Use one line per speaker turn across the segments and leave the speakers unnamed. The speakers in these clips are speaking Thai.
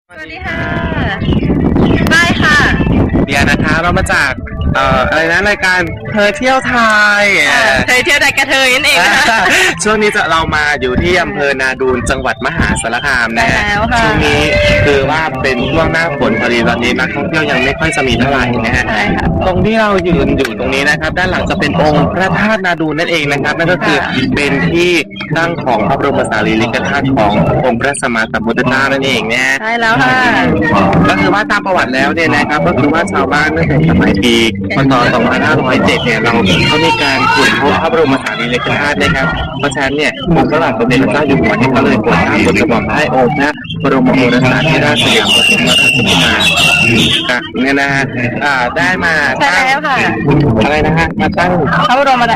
สวัสดีค่ะได้ค่ะ
เดียนะคะเรามาจากอะไรนะรายการเธอเที่ยวไทย
เธอเที่ยวไทยกระเทยนั่นเองนะคะ
ช่วงนี้เรามาอยู่ที่อำเภอนาดูนจังหวัดมหาสารคามนะช่วงนี้คือว่าเป็นช่วงหน้าฝนพอดีตอนนี้นักท่องเที่ยวยังไม่ค่อยจะมีเท่าไหร่นะฮะตรงที่เรายืนอยู่ตรงนี้นะครับด้านหลังจะเป็นองค์พระธาตุนาดูนนั่นเองนะครับนั่นก็คือเป็นที่ตั้งของพระบรมสารีริกธาตุขององค์พระสัมมาสัมพุทธเจ้านั่นเองนะ
ใช่แล้วค่ะ
ก็คือว่าตามประวัติแล้วเนี่ยนะครับก็คือว่าชาวบ้านตั้งแต่สมัยปีพ.ศ. 2507เนี่ยเขามีการขุดพบพระบรมสารีริกธาตุนะครับเพราะฉะนั้นเนี่ยองค์พระบาทสมเด็จพระเจ้าอยู่หัวเนี่ยก็เลยโปรดเกล้าโปรดกระหม่อมให้องค์พระบรมโอรสาธิราชสยามบรมราชกุมารีเนี่ยนะฮะได้มา
ใช่แล้วค่ะ
อะไรนะฮะมาตั้ง
พระบรม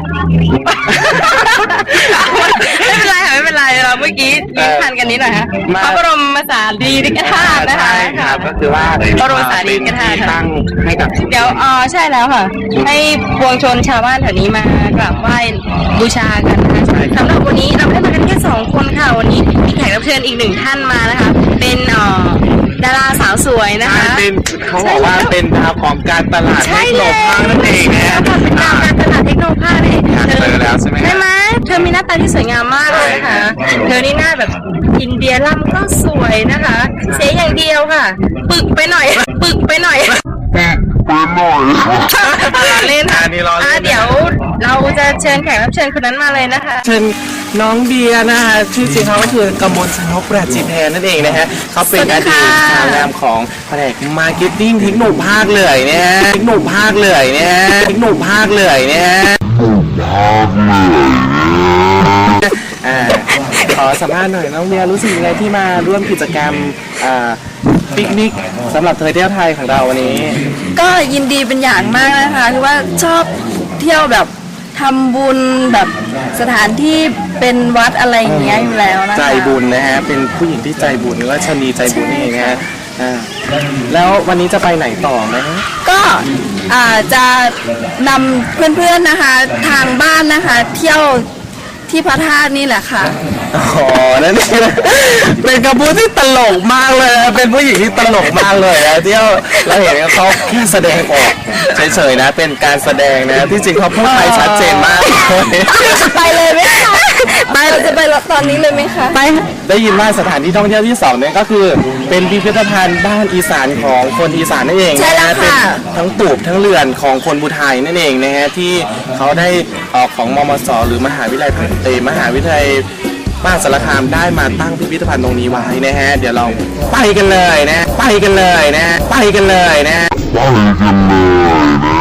ไม่เป็นไรค่ะไม่เป็นไรเราเมื่อกี้ยิ้มทันกันนิดหน่อยฮะพระบรมสารีริกธาตุนะคะ
ก็คือว่า
พระบรมสารีริกธาตุ
ตั้งให้กับ
เดี๋ยวใช่แล้วค่ะให้ปวงชนชาวบ้านแถวนี้มากราบไหว้บูชากันนะคะสำหรับวันนี้เราไม่ได้มากันแค่2คนค่ะวันนี้มีแขกรับเชิญอีก1ท่านมานะคะเป็นดาราสาวสวยนะคะ
เป็นเขาบอกว่าเป็นดาวของการตลาดเทคโนภาคนั่นเองนะ
เป็นดาวการตลาดเทคโนภาคเอง
เจอแล้วใช่ไหม
ใช่ไหมเธอมีหน้าตาที่สวยงามมากเลยนะคะเธอนี่หน้าแบบอินเดียล่ำก็สวยนะคะเสียอย่างเดียวค่ะปึกไปหน่อยเล่นค่ะเดี๋ยวเราจะเชิญแขกรับเชิญคนนั้นมาเลยนะคะ
เชิญน้องเดียนะฮะชื่อจริงเขาก็คือกมลชนกประจิตแทนนั่นเองนะฮะเขาเป็นอดีตสาวงามของแผนกมาร์เก็ตติ้งเทคโนภาคเลยเนี่ยเทคโนภาคเลยเนี่ยขอสัมภาษณ์หน่อยน้องเดียรู้สึกยังไงที่มาร่วมกิจกรรมปิกนิกสำหรับเธอเที่ยวไทยของเราวันนี้
ก็ยินดีเป็นอย่างมากนะคะคือว่าชอบเที่ยวแบบทำบุญแบบสถานที่เป็นวัดอะไรอย่างเงี้ยอยู่แล้วนะคะ
ใจบุญนะฮะเป็นผู้หญิงที่ใจบุญหรือว่าชนีใจบุญนี่นะฮะแล้ววันนี้จะไปไหนต่อไหม
ก็จะนำเพื่อนๆนะคะทางบ้านนะคะเที่ยวที่พระธาตุนี่แหละค่ะ
อ๋อนั่นเองเป็นคำพูดที่ตลกมากเลยเป็นผู้หญิงที่ตลกมากเลยนะเที่ยวเราเห็นเขาแค่แสดงออกเฉยๆนะเป็นการแสดงนะที่จริงเขาพูดไทยชัดเจนมาก
ไปเลยไหมคะเราจะไปตอนนี้เลยไหมคะ
ไปได้ยินว่าสถานที่ท่องเที่ยวที่2เนี่ยก็คือเป็นพิพิธภัณฑ์บ้านอีสานของคนอีสานนั่นเอง
ใช่แล้วค่ะ
ทั้งตูบทั้งเรือนของคนภูไทยนั่นเองนะฮะที่เขาได้ของมมส.หรือมหาวิทยาลัยมหาวิทยาลัยมหาสารคามได้มาตั้งพิพิธภัณฑ์ตรงนี้ไว้นะฮะเดี๋ยวเราไปกันเลยนะ